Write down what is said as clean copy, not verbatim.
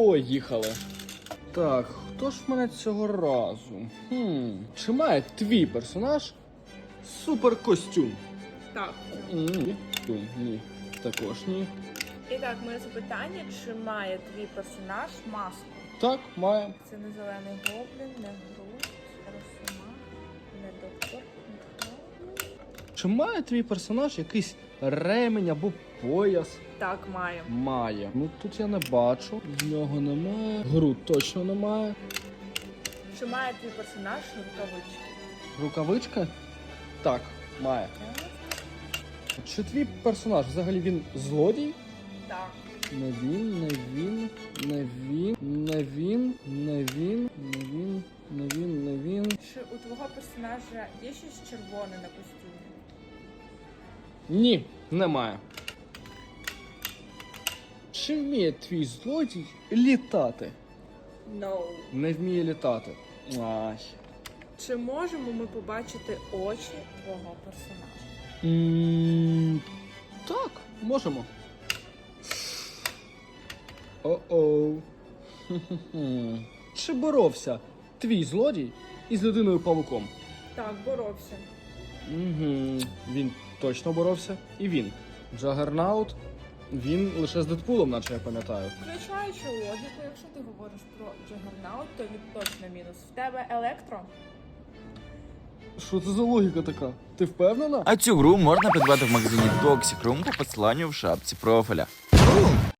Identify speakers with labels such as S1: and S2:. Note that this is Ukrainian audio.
S1: Поїхали. Так, хто ж в мене цього разу? Чи має твій персонаж суперкостюм?
S2: Так.
S1: Ні. Також ні.
S2: І так, моє запитання, чи має твій персонаж маску?
S1: Так, має.
S2: Це не зелений гоблін, не Грут, Росома, не доктор.
S1: Чи має твій персонаж якийсь ремень або пояс?
S2: Так, має.
S1: Має. Ну тут я не бачу. В нього немає. Груд точно немає.
S2: Чи має твій персонаж рукавички?
S1: Рукавичка? Так, має. Чи твій персонаж взагалі він злодій?
S2: Так.
S1: Не він, не він, не він, не він, не він, не він, не він, не він.
S2: Чи у твого персонажа є щось червоне на костюмі?
S1: Ні, немає. Чи вміє твій злодій літати?
S2: No.
S1: Не вміє літати. Ай.
S2: Чи можемо ми побачити очі твого персонажа?
S1: Так, можемо. О-оу. Чи боровся твій злодій із людиною-павуком?
S2: Так, боровся.
S1: Він точно боровся. І він. Джагернаут. Він лише з Дедпулом, наче я пам'ятаю.
S2: Включаючи логіку, якщо ти говориш про Джагернаут, то він точно мінус. В тебе електро?
S1: Що це за логіка така? Ти впевнена?
S3: А цю гру можна придбати в магазині Toxic Room по посиланню в шапці профіля.